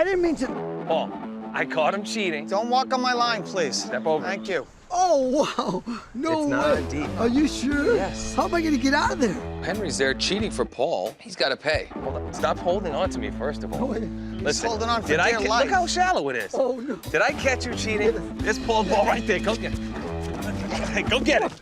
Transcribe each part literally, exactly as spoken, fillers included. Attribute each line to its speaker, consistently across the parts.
Speaker 1: didn't mean to.
Speaker 2: Paul, I caught him cheating.
Speaker 3: Don't walk on my line, please.
Speaker 2: Step over.
Speaker 3: Thank you.
Speaker 1: Oh, wow. No
Speaker 2: It's
Speaker 1: way.
Speaker 2: not deep.
Speaker 1: Are you sure?
Speaker 2: Yes.
Speaker 1: How am I gonna get out of there?
Speaker 4: Henry's there cheating for Paul. He's got to pay.
Speaker 2: Hold on. Stop holding on to me, first of all.
Speaker 1: Oh, wait.
Speaker 2: Listen,
Speaker 3: holding on for
Speaker 2: did I
Speaker 3: dear
Speaker 2: ca-
Speaker 3: life.
Speaker 2: Look how shallow it is.
Speaker 1: Oh, no.
Speaker 2: Did I catch you cheating? There's Paul's ball right there. Go get it. Hey, go get it.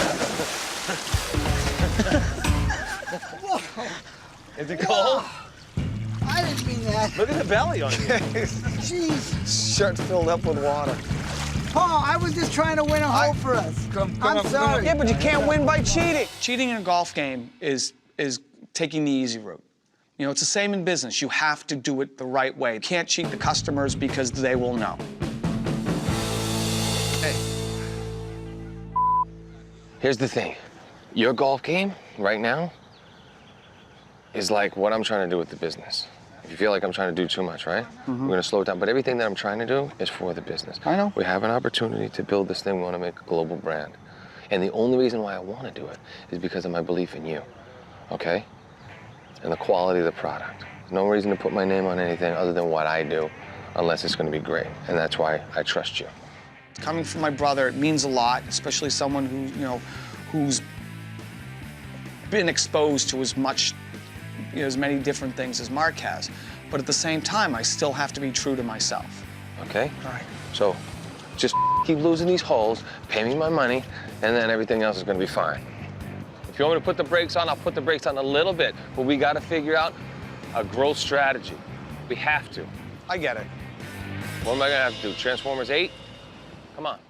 Speaker 2: Is it cold?
Speaker 1: I didn't mean that.
Speaker 2: Look at the belly on you.
Speaker 1: Jeez.
Speaker 3: Shirt filled up with water.
Speaker 1: Paul, I was just trying to win a hole for us.
Speaker 3: Come, come
Speaker 1: I'm
Speaker 3: up, come
Speaker 1: sorry.
Speaker 3: up.
Speaker 5: Yeah, but you can't win by cheating. Cheating in a golf game is is taking the easy route. You know, it's the same in business. You have to do it the right way. You can't cheat the customers because they will know.
Speaker 4: Hey. Here's the thing. Your golf game right now is like what I'm trying to do with the business. If you feel like I'm trying to do too much, right? Mm-hmm. We're gonna slow it down. But everything that I'm trying to do is for the business.
Speaker 5: I know.
Speaker 4: We have an opportunity to build this thing. We want to make a global brand. And the only reason why I want to do it is because of my belief in you, okay? And the quality of the product. There's no reason to put my name on anything other than what I do, unless it's gonna be great. And that's why I trust you.
Speaker 5: Coming from my brother, it means a lot, especially someone who, you know, who's been exposed to as much, you know, as many different things as Mark has. But at the same time, I still have to be true to myself.
Speaker 4: Okay?
Speaker 5: All right.
Speaker 4: So just keep losing these holes, pay me my money, and then everything else is gonna be fine. If you want me to put the brakes on, I'll put the brakes on a little bit, but we gotta figure out a growth strategy. We have to.
Speaker 5: I get it.
Speaker 4: What am I gonna have to do, Transformers eight? Come on.